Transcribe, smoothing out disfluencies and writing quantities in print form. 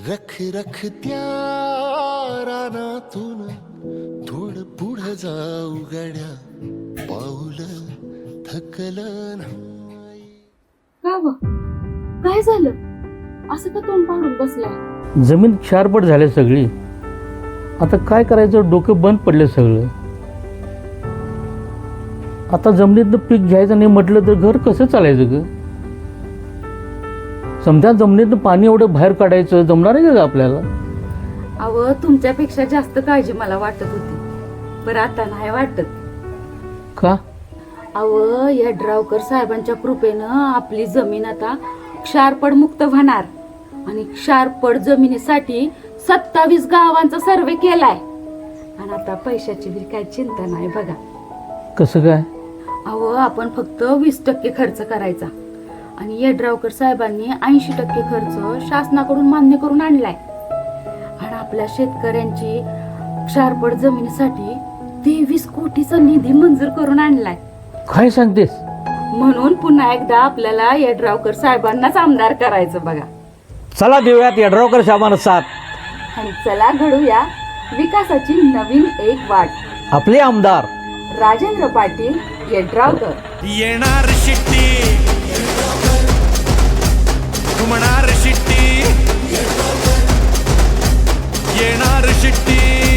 रख रख त्या रानातून थोडं पुढं जाऊ गड्या, पाऊल थकलं नाही. का व काय झालं? असं का तोंड पाडून बसलाय? जमीन क्षारपट झाली सगळी. आता काय करायचं, डोकं बंद पडले सगळं. आता जमिनीतनं पीक घ्यायचं नाही म्हटलं तर घर कसं चालायचं ग? समजा जमिनीतनं पाणी एवढं बाहेर काढायचं जमणार आहे का आपल्याला? अव तुमच्यापेक्षा जास्त काळजी मला वाटत होती, पण आता नाही वाटत. का? अव या ड्रावकर साहेबांच्या कृपेनं आपली जमीन आता क्षारपड मुक्त होणार आणि क्षारपड जमिनीसाठी 27 गावांचा सर्वे केलाय आणि आता पैशाची बी काय चिंता नाही बघा. कसं काय? अहो आपण फक्त 20% खर्च करायचा आणि यड्रावकर साहेबांनी 80% खर्च शासनाकडून मान्य करून आणलाय आणि आपल्या शेतकऱ्यांची क्षारपड जमिनीसाठी 23 कोटीचा निधी मंजूर करून आणलाय. काय सांगतेस? म्हणून पुन्हा एकदा आपल्याला यड्रावकर साहेबांनाच आमदार करायचं बघा. चला देऊयात यड्रावकर साहेबांना साथ आणि चला घडूया विकासाची नवीन एक वाट. आपले आमदार राजेंद्र पाटील यड्रावकर. येणार शिट्टी, घुमणार शिट्टी, येणार शिट्टी.